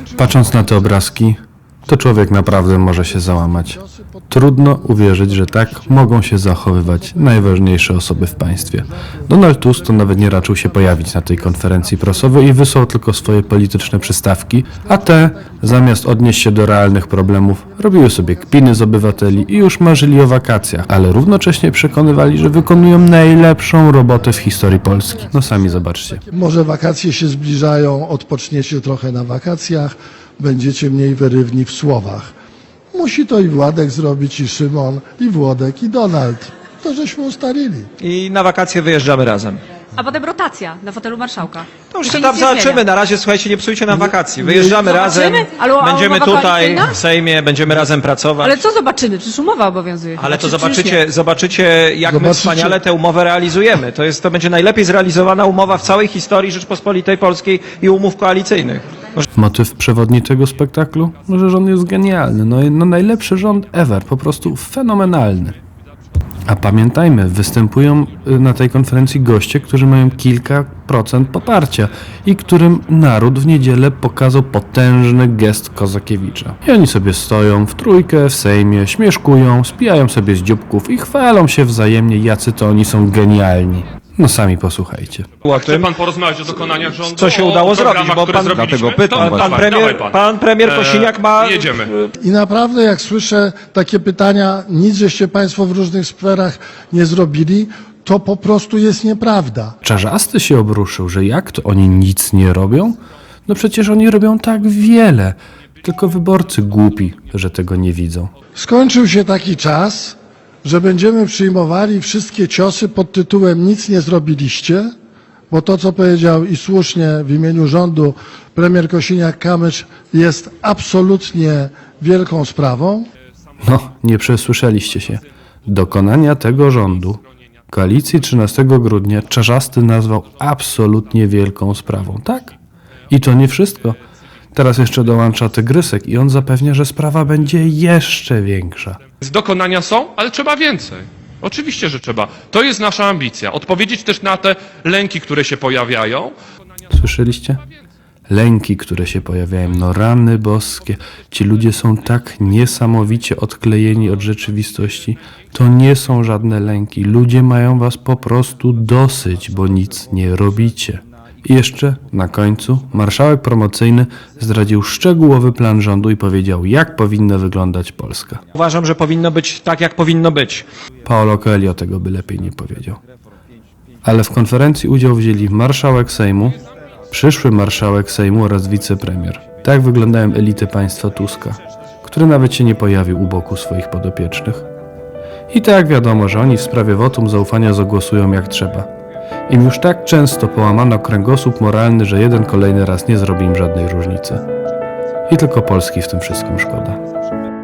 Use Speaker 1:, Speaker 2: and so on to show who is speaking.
Speaker 1: Patrząc na te obrazki, to człowiek naprawdę może się załamać. Trudno uwierzyć, że tak mogą się zachowywać najważniejsze osoby w państwie. Donald Tusk to nawet nie raczył się pojawić na tej konferencji prasowej i wysłał tylko swoje polityczne przystawki, a te, zamiast odnieść się do realnych problemów, robiły sobie kpiny z obywateli i już marzyli o wakacjach, ale równocześnie przekonywali, że wykonują najlepszą robotę w historii Polski. No sami zobaczcie.
Speaker 2: Może wakacje się zbliżają, odpoczniecie trochę na wakacjach, będziecie mniej wyrywni w słowach. Musi to i Władek zrobić, i Szymon, i Włodek, i Donald. To żeśmy ustalili.
Speaker 3: I na wakacje wyjeżdżamy razem.
Speaker 4: A potem rotacja na fotelu marszałka.
Speaker 3: To już
Speaker 4: I
Speaker 3: się
Speaker 4: nic
Speaker 3: tam
Speaker 4: nie
Speaker 3: zobaczymy.
Speaker 4: zmienia.
Speaker 3: Na razie, słuchajcie, nie psujcie nam wakacji. Wyjeżdżamy razem,
Speaker 4: Ale
Speaker 3: będziemy
Speaker 4: umowa
Speaker 3: tutaj
Speaker 4: koalicyjna?
Speaker 3: w Sejmie, będziemy razem pracować.
Speaker 4: Ale co zobaczymy? Przecież umowa obowiązuje.
Speaker 3: Ale to
Speaker 4: Znaczy, przecież nie.
Speaker 3: zobaczycie, jak my
Speaker 2: Zobaczycie.
Speaker 3: wspaniale tę umowę realizujemy. To będzie najlepiej zrealizowana umowa w całej historii Rzeczpospolitej Polskiej i umów koalicyjnych.
Speaker 1: Motyw przewodni tego spektaklu? Że rząd jest genialny, no najlepszy rząd ever, po prostu fenomenalny. A pamiętajmy, występują na tej konferencji goście, którzy mają kilka procent poparcia i którym naród w niedzielę pokazał potężny gest Kozakiewicza. I oni sobie stoją w trójkę w Sejmie, śmieszkują, spijają sobie z dzióbków i chwalą się wzajemnie, jacy to oni są genialni. No sami posłuchajcie.
Speaker 5: Chce pan porozmawiać o dokonaniach rządu?
Speaker 3: Co się
Speaker 5: o
Speaker 3: udało
Speaker 5: programach,
Speaker 3: zrobić, bo
Speaker 5: które
Speaker 3: pan-
Speaker 5: zrobiliśmy?
Speaker 6: dlatego pytam
Speaker 5: To
Speaker 6: was.
Speaker 5: dawaj pan.
Speaker 3: Pan premier Kosiniak ma...
Speaker 5: Jedziemy.
Speaker 2: I naprawdę, jak słyszę takie pytania, nic żeście państwo w różnych sferach nie zrobili, to po prostu jest nieprawda.
Speaker 1: Czarzasty się obruszył, że jak to oni nic nie robią? No przecież oni robią tak wiele, tylko wyborcy głupi, że tego nie widzą.
Speaker 2: Skończył się taki czas, że będziemy przyjmowali wszystkie ciosy pod tytułem nic nie zrobiliście, bo to, co powiedział i słusznie w imieniu rządu premier Kosiniak-Kamysz, jest absolutnie wielką sprawą.
Speaker 1: No, nie przesłyszeliście się. Dokonania tego rządu, koalicji 13 grudnia, Czarzasty nazwał absolutnie wielką sprawą. Tak? I to nie wszystko. Teraz jeszcze dołącza Tygrysek i on zapewnia, że sprawa będzie jeszcze większa.
Speaker 5: Dokonania są, ale trzeba więcej. Oczywiście, że trzeba. To jest nasza ambicja. Odpowiedzieć też na te lęki, które się pojawiają.
Speaker 1: Słyszeliście? Lęki, które się pojawiają, no rany boskie. Ci ludzie są tak niesamowicie odklejeni od rzeczywistości. To nie są żadne lęki. Ludzie mają was po prostu dosyć, bo nic nie robicie. I jeszcze na końcu marszałek promocyjny zdradził szczegółowy plan rządu i powiedział, jak powinna wyglądać Polska.
Speaker 3: Uważam, że powinno być tak, jak powinno być.
Speaker 1: Paolo Coelho tego by lepiej nie powiedział. Ale w konferencji udział wzięli marszałek Sejmu, przyszły marszałek Sejmu oraz wicepremier. Tak wyglądają elity państwa Tuska, który nawet się nie pojawił u boku swoich podopiecznych. I tak wiadomo, że oni w sprawie wotum zaufania zagłosują jak trzeba. Im już tak często połamano kręgosłup moralny, że jeden kolejny raz nie zrobi im żadnej różnicy. I tylko Polski w tym wszystkim szkoda.